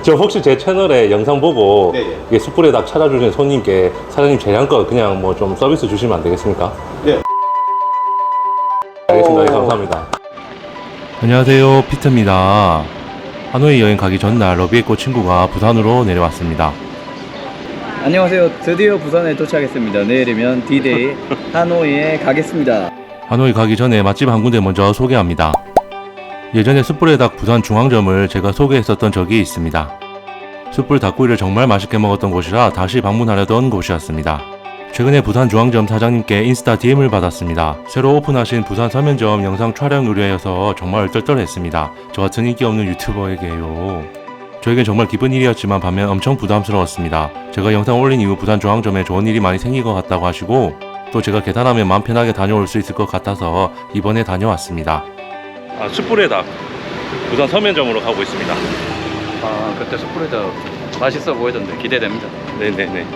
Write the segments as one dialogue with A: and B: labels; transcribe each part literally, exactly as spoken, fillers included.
A: 저 혹시 제 채널에 영상 보고
B: 네, 예.
A: 이게 숯불에 닭 찾아주신 손님께 사장님 재량껏 그냥 뭐 좀 서비스 주시면 안 되겠습니까?
B: 네.
A: 알겠습니다. 네, 감사합니다. 안녕하세요, 피트입니다. 하노이 여행 가기 전날 러비의 꽃 친구가 부산으로 내려왔습니다.
C: 안녕하세요. 드디어 부산에 도착했습니다. 내일이면 디데이 하노이에 가겠습니다.
A: 하노이 가기 전에 맛집 한 군데 먼저 소개합니다. 예전에 숯불의 닭 부산 중앙점을 제가 소개했었던 적이 있습니다. 숯불 닭구이를 정말 맛있게 먹었던 곳이라 다시 방문하려던 곳이었습니다. 최근에 부산 중앙점 사장님께 인스타 디엠을 받았습니다. 새로 오픈하신 부산 서면점 영상 촬영 의뢰여서 정말 얼떨떨했습니다. 저 같은 인기 없는 유튜버에게요. 저에겐 정말 기쁜 일이었지만 반면 엄청 부담스러웠습니다. 제가 영상 올린 이후 부산 중앙점에 좋은 일이 많이 생긴 것 같다고 하시고 또 제가 계산하면 마음 편하게 다녀올 수 있을 것 같아서 이번에 다녀왔습니다. 아, 숯불의 닭 부산 서면점으로 가고 있습니다.
C: 아, 그때 숯불에다 맛있어 보이던데 기대됩니다.
A: 네네네.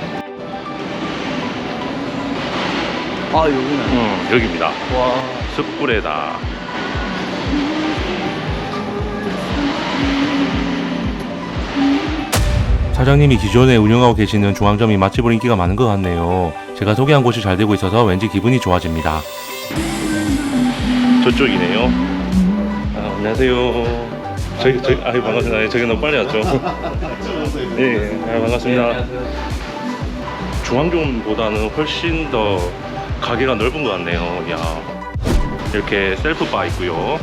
C: 아, 여기는.
A: 음, 여기입니다.
C: 와.
A: 숯불의 닭. 사장님이 기존에 운영하고 계시는 중앙점이 맛집으로 인기가 많은 것 같네요. 제가 소개한 곳이 잘 되고 있어서 왠지 기분이 좋아집니다. 저쪽이네요. 아, 안녕하세요. 저기, 저기, 아유, 반갑습니다. 저기 너무 빨리 왔죠? 예, 예, 아, 반갑습니다. 중앙점보다는 훨씬 더 가게가 넓은 것 같네요. 야, 이렇게 셀프바 있고요.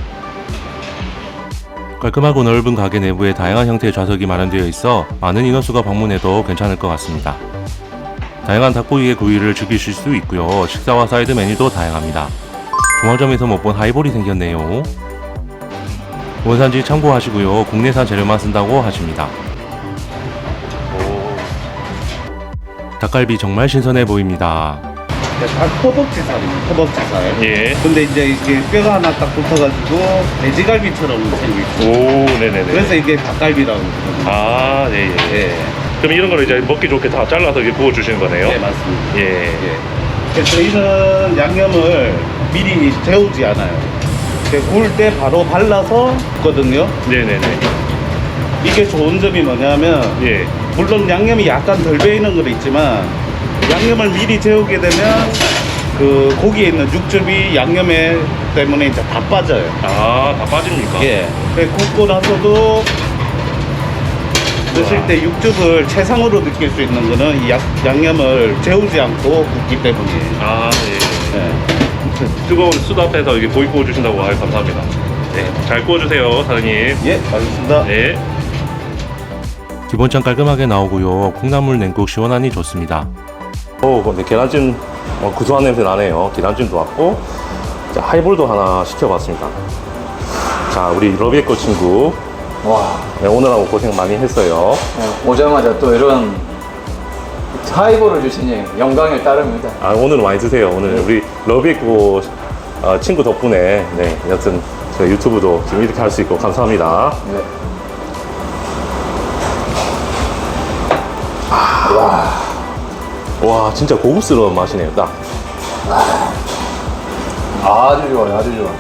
A: 깔끔하고 넓은 가게 내부에 다양한 형태의 좌석이 마련되어 있어 많은 인원수가 방문해도 괜찮을 것 같습니다. 다양한 닭고기의 구이를 즐기실 수 있고요. 식사와 사이드 메뉴도 다양합니다. 중앙점에서 못 본 하이볼이 생겼네요. 원산지 참고하시고요. 국내산 재료만 쓴다고 하십니다. 오. 닭갈비 정말 신선해 보입니다.
B: 닭 허벅지살입니다. 허벅지살.
A: 예.
B: 근데 이제 이게 뼈가 하나 딱 붙어가지고 돼지갈비처럼 생겼고.
A: 오, 네네네.
B: 그래서 이게 닭갈비라고 그러거든요.
A: 아, 네, 예.
B: 예.
A: 그럼 이런 거를 이제 먹기 좋게 다 잘라서 이렇게 구워주시는 거네요?
B: 네, 맞습니다.
A: 예.
B: 예. 그래서 저희는 양념을 미리 재우지 않아요. 구울 때 바로 발라서 굽거든요.
A: 네네네.
B: 이게 좋은 점이 뭐냐면
A: 예.
B: 물론 양념이 약간 덜 배이는 건 있지만 양념을 미리 재우게 되면 그 고기에 있는 육즙이 양념에 때문에 이제 다 빠져요.
A: 아, 다 빠집니까?
B: 예. 그 굽고 나서도 드실 때 육즙을 최상으로 느낄 수 있는 거는 이 약, 양념을 재우지 않고 굽기 때문이에요.
A: 아, 예.
B: 예.
A: 뜨거운 숯 앞에서 이게 고기 구워주신다고 아유, 감사합니다. 네, 잘 구워주세요, 사장님.
B: 예, 알겠습니다.
A: 네. 기본장 깔끔하게 나오고요. 콩나물 냉국 시원하니 좋습니다. 오, 근데 계란찜 어, 구수한 냄새 나네요. 계란찜도 왔고, 자, 하이볼도 하나 시켜봤습니다. 자, 우리 러비의 꽃 친구.
C: 와.
A: 네, 오늘하고 고생 많이 했어요.
C: 네, 오자마자 또 이런 하이볼을 주시니 영광에 따릅니다.
A: 아, 오늘은 많이 드세요. 오늘 우리 러비의 꽃 어, 친구 덕분에, 네, 여튼 저희 유튜브도 지금 이렇게 할 수 있고 감사합니다.
C: 네. 와.
A: 와, 진짜 고급스러운 맛이네요, 딱.
C: 아주 좋아요, 아주 좋아.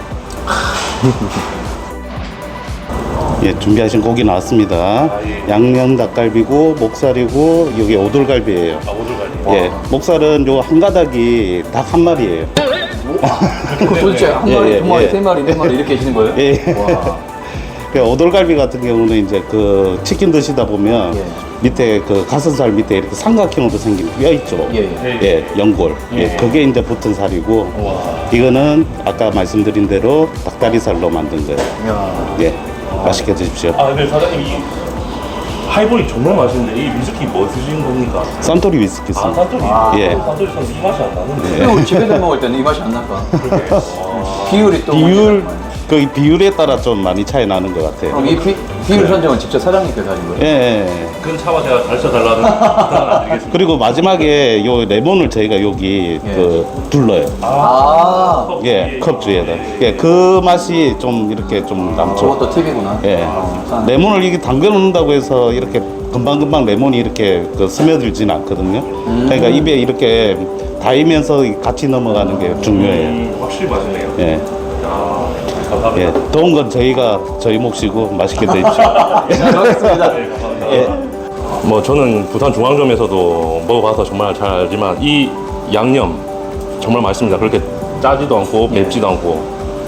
B: 예, 준비하신 고기 나왔습니다.
A: 아, 예.
B: 양념 닭갈비고 목살이고 여기 오돌갈비예요.
A: 아, 오돌갈비.
B: 예, 목살은 요 한 가닥이 닭 한 마리예요.
C: 도대체 한
B: 예,
C: 마리,
B: 예,
C: 두 마리,
B: 예.
C: 세 마리, 네 마리 이렇게 하시는 거예요?
B: 예.
C: 와.
B: 그 오돌갈비 같은 경우는 이제 그 치킨 드시다 보면
C: 예.
B: 밑에 그 가슴살 밑에 이렇게 삼각형으로 생긴 뼈 있죠.
C: 예, 예.
B: 예, 연골. 예,
A: 예.
B: 그게 이제 붙은 살이고
A: 와.
B: 이거는 아까 말씀드린 대로 닭다리살로 만든 거예요.
C: 야.
B: 예, 맛있게 드십시오.
A: 아, 근데 사장님, 이 하이볼이 정말 맛있는데, 이 위스키 뭐 드신 겁니까?
B: 산토리 위스키
A: 아,
B: 씁니다.
A: 산토리.
C: 아.
A: 예. 산토리 선 이 맛이 안 나는데.
C: 근데 우리 집에서 먹을 때는 이 맛이 안 날까?
A: 그러게. 와.
C: 비율이 또
B: 비율,
C: 문제가
B: 그 비율에 따라 좀 많이 차이 나는 것 같아요.
C: 그럼 이 비, 비율 선정은 직접 사장님께서 하신 거예요?
B: 예, 예.
A: 큰 차와 제가 가르쳐달라는 부탁을 안 드리겠습니다.
B: 그리고 마지막에 요 레몬을 저희가 여기
C: 예.
B: 그 둘러요.
C: 아,
A: 컵
B: 예,
A: 위에
B: 컵 주에다. 예, 그 맛이 좀 이렇게 좀 남죠.
C: 저것도 팁이구나.
B: 예.
C: 아,
B: 레몬을 이게 담궈 놓는다고 해서 이렇게 금방금방 레몬이 이렇게 그 스며들진 않거든요.
C: 음.
B: 그러니까 입에 이렇게 닿으면서 같이 넘어가는 게 중요해요.
A: 음, 확실히 맛있네요.
B: 예.
A: 야.
B: 예, 더운 건 저희가 저희 몫이고 맛있게 드십시오.
C: 잘 먹겠습니다.
B: 예.
A: 뭐 저는 부산 중앙점에서도 먹어봐서 정말 잘 알지만 이 양념 정말 맛있습니다. 그렇게 짜지도 않고 맵지도 않고.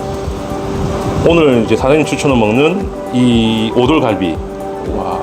A: 오늘 이제 사장님 추천을 먹는 이 오돌갈비. 와.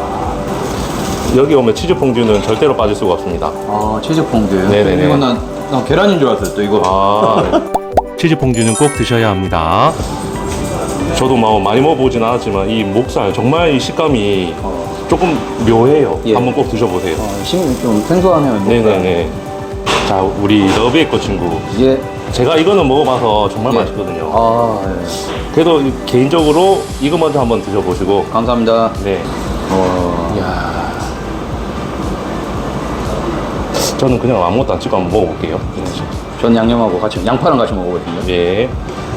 A: 여기 오면 치즈 퐁듀는 절대로 빠질 수가 없습니다.
C: 아, 치즈 퐁듀.
A: 네네네.
C: 이건 난, 난 계란인 줄 알았어요, 또 이거.
A: 아, 치즈 퐁듀는 꼭 드셔야 합니다. 저도 뭐 많이 먹어보진 않았지만 이 목살 정말 이 식감이 조금 묘해요.
C: 예.
A: 한번 꼭 드셔보세요.
C: 어, 심, 좀 생소하네요.
A: 네네네. 자, 우리 러비의 거 친구.
C: 예.
A: 제가 이거는 먹어봐서 정말
C: 예.
A: 맛있거든요.
C: 아, 예.
A: 그래도 개인적으로 이거 먼저 한번 드셔보시고.
C: 감사합니다.
A: 네.
C: 어,
A: 이야. 저는 그냥 아무것도 안 찍고 한번 먹어볼게요.
C: 전 양념하고 같이, 양파랑 같이 먹어보겠습니다.
A: 예.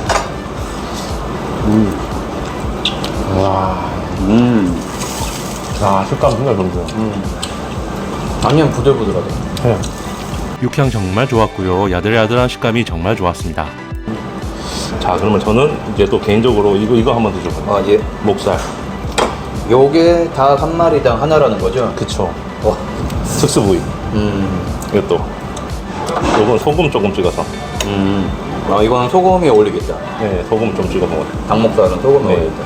A: 와.
C: 음.
A: 아, 식감 정말 좋네요.
C: 양념 부들부들하다.
A: 네.
D: 육향 정말 좋았고요. 야들야들한 식감이 정말 좋았습니다.
A: 자, 그러면 저는 이제 또 개인적으로 이거 이거 한번 드셔볼게요.
C: 아, 예.
A: 목살.
C: 요게 다 한 마리당 하나라는 거죠?
A: 그쵸.
C: 어.
A: 특수 부위.
C: 음.
A: 이것도. 요건 소금 조금 찍어서.
C: 음. 아, 이거는 소금이 어울리겠다.
A: 네, 소금 좀 찍어 먹어요.
C: 닭목살은 소금이
A: 네.
C: 어울리겠다.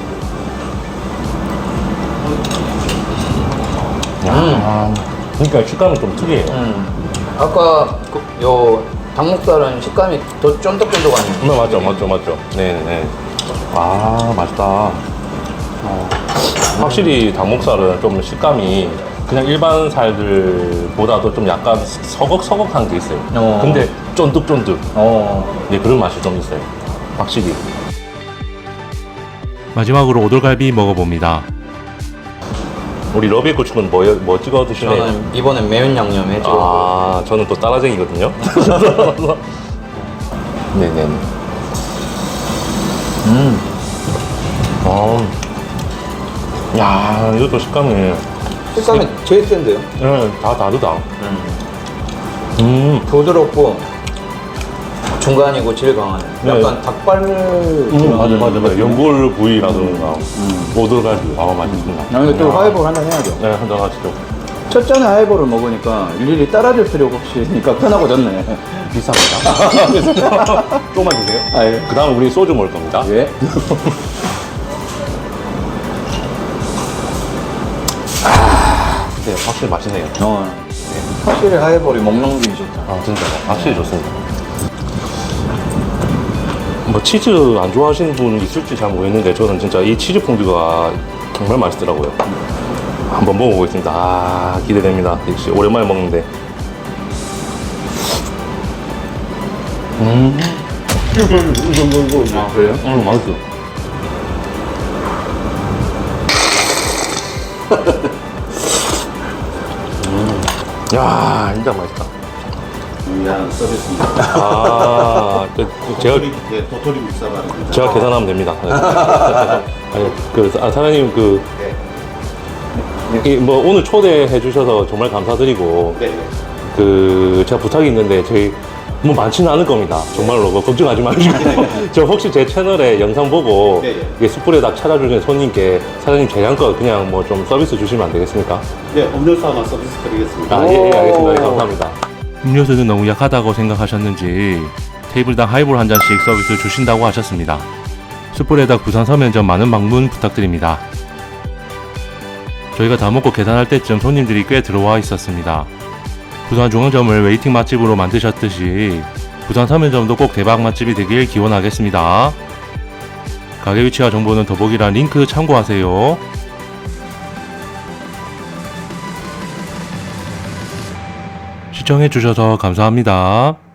A: 아, 그러니까 식감이 좀 특이해요.
C: 음. 아까 그, 요 닭목살은 식감이 더 쫀득쫀득한.
A: 네, 맞죠, 맞죠, 맞죠. 네네. 아, 맛있다. 어, 확실히 닭목살은 좀 식감이 그냥 일반 살들보다도 좀 약간 서걱서걱한 게 있어요.
C: 어.
A: 근데 쫀득쫀득.
C: 어.
A: 네, 그런 맛이 좀 있어요. 확실히.
D: 마지막으로 오돌갈비 먹어봅니다.
A: 우리 러비의 고추는 뭐, 뭐 찍어 드시나요?
C: 저는 이번엔 매운 양념에 찍어.
A: 아, 저는 또 따라쟁이거든요. 네네.
C: 음.
A: 어. 야, 이것도 식감이.
C: 식감이 제일 센데요.
A: 네, 다 다르다.
C: 음.
A: 음.
C: 부드럽고 중간이고 질 강하네.
A: 네.
C: 약간 닭발물.
A: 음, 맞아, 맞아, 맞아. 연골 부위라든가,
C: 음.
A: 오돌갈비. 아, 맛있습니다.
C: 나 이거 또
A: 야.
C: 하이볼 한잔 해야죠.
A: 네, 한잔 하시죠.
C: 첫 잔에 하이볼을 먹으니까 일일이 따라줄 필요가 없으니까 편하고졌네.
A: 비쌉니다. 조금만 주세요.
C: 아, 예.
A: 그 다음 우리 소주 먹을 겁니다.
C: 예.
A: 네, 확실히 맛있네요.
C: 어. 확실히 하이볼이 먹는 게 좋다.
A: 아, 진짜. 확실히 좋습니다. 뭐, 치즈 안 좋아하시는 분 있을지 잘 모르겠는데, 저는 진짜 이 치즈 퐁듀가 정말 맛있더라고요. 한번 먹어보겠습니다. 아, 기대됩니다. 역시 오랜만에 먹는데. 음.
C: 아, 그래요?
A: 음, 맛있어. 음. 야, 진짜 맛있다.
B: 위한 서비스입니다.
A: 아, 그, 그 제가
B: 도토리, 예, 도토리 묵사발입니다.
A: 제가 계산하면 됩니다. 아니, 그 아, 사장님 그. 이, 뭐 오늘 초대해 주셔서 정말 감사드리고
B: 네.
A: 그 제가 부탁이 있는데 저희 뭐 많지는 않을 겁니다. 정말로 뭐 걱정하지 마시고 저 혹시 제 채널에 영상 보고
B: 네, 네.
A: 이게 숯불에 닭 찾아주신 손님께 사장님 재량껏 그냥 뭐 좀 서비스 주시면 안 되겠습니까?
B: 네, 음료수 하나 서비스 드리겠습니다.
A: 아, 예, 예, 알겠습니다. 예, 감사합니다.
D: 음료수는 너무 약하다고 생각하셨는지 테이블당 하이볼 한 잔씩 서비스 주신다고 하셨습니다. 숯불에닭 부산 서면점 많은 방문 부탁드립니다. 저희가 다 먹고 계산할 때쯤 손님들이 꽤 들어와 있었습니다. 부산 중앙점을 웨이팅 맛집으로 만드셨듯이 부산 서면점도 꼭 대박 맛집이 되길 기원하겠습니다. 가게 위치와 정보는 더보기란 링크 참고하세요. 시청해주셔서 감사합니다.